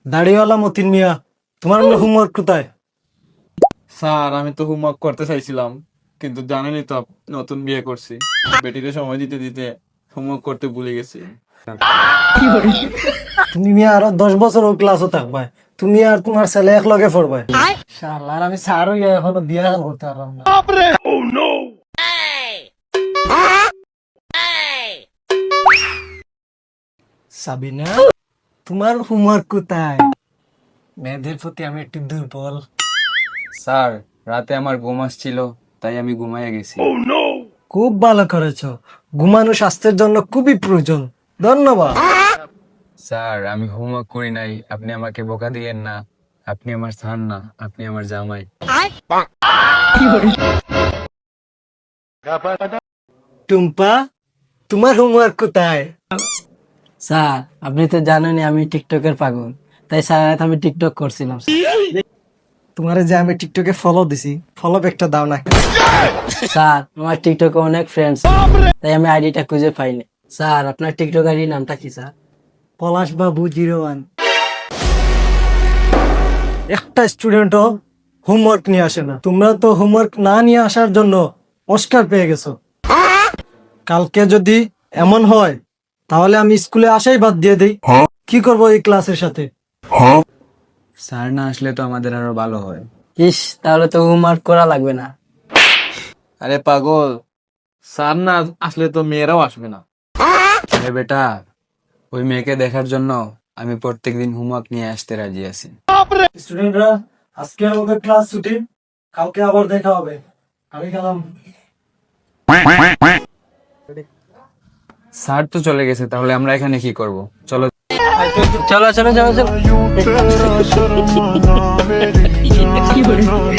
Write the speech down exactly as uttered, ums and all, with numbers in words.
দাড়িওয়ালা মতিন মিয়া, তোমার হোমওয়ার্ক কোথায়? স্যার আমি তো হোমওয়ার্ক করতে চাইছিলাম, কিন্তু জানেনই তো আপ- নতুন বিয়ে করছি, বেটিকে সময় দিতে দিতে হোমওয়ার্ক করতে ভুলে গেছি। তুমি মিয়া আরো দশ বছর ও ক্লাসও থাকবা, তুমি আর তোমার ছেলে এক লগে পড়বা। শালার আমি স্যার হইয়া এখনো বিয়া করতে পারলাম না। সাবিনা, তোমার হোমওয়ার্ক কোথায়? মেয়েদের প্রতি আমি একটু দুর্বল। স্যার, রাতে আমার ঘুম আসছিল, তাই আমি ঘুমাইয়া গেছি। খুব ভালো করেছো, ঘুমানো স্বাস্থ্যের জন্য খুবই প্রয়োজন। ধন্যবাদ। স্যার, আমি হোমওয়ার্ক করি নাই, আপনি আমাকে বোকা দিয়েন না। আপনি আমার স্যার না, আপনি আমার জামাই। টুম্পা, তোমার হোমওয়ার্ক কোথায়? স্যার, আপনি তো জানেনই আমি টিকটকের পাগল, তাই স্যার রাত আমি টিকটক করছিলাম। তোমারে যে আমি টিকটকে ফলো দিছি, ফলো ব্যাকটা দাও না। স্যার, আমার টিকটকে অনেক ফ্রেন্ডস, তাই আমি আইডিটা খুঁজে পাইনি। স্যার, আপনার টিকটক আইডি নামটা কি স্যার? পলাশ বাবু জিরো ওয়ান। একটা স্টুডেন্টও হোমওয়ার্ক নিয়ে আসে না। তোমরা তো হোমওয়ার্ক না নিয়ে আসার জন্য অস্কার পেয়ে গেছো। কালকে যদি এমন হয় তাহলে আমি স্কুলে আসাই বাদ দিয়ে দেই। কি করবো এই ক্লাসের সাথে? স্যার না আসলে তো আমাদের আরো ভালো হয়। ইস, তাহলে তো হোমওয়ার্ক করা লাগবে না। আরে পাগল, স্যার না আসলে তো মেয়েরাও আসবে না। আরে বেটা, ওই মেয়েকে দেখার জন্য আমি প্রত্যেকদিন হোমওয়ার্ক নিয়ে আসতে রাজি আছি। স্টুডেন্টরা, আজকে আমাদের ক্লাস ছুটি, কালকে আবার দেখা হবে। আমি গেলাম। স্যার তো চলে গেছে, তাহলে আমরা এখানে কি করব? চলো। চলো চলো চলো চলো।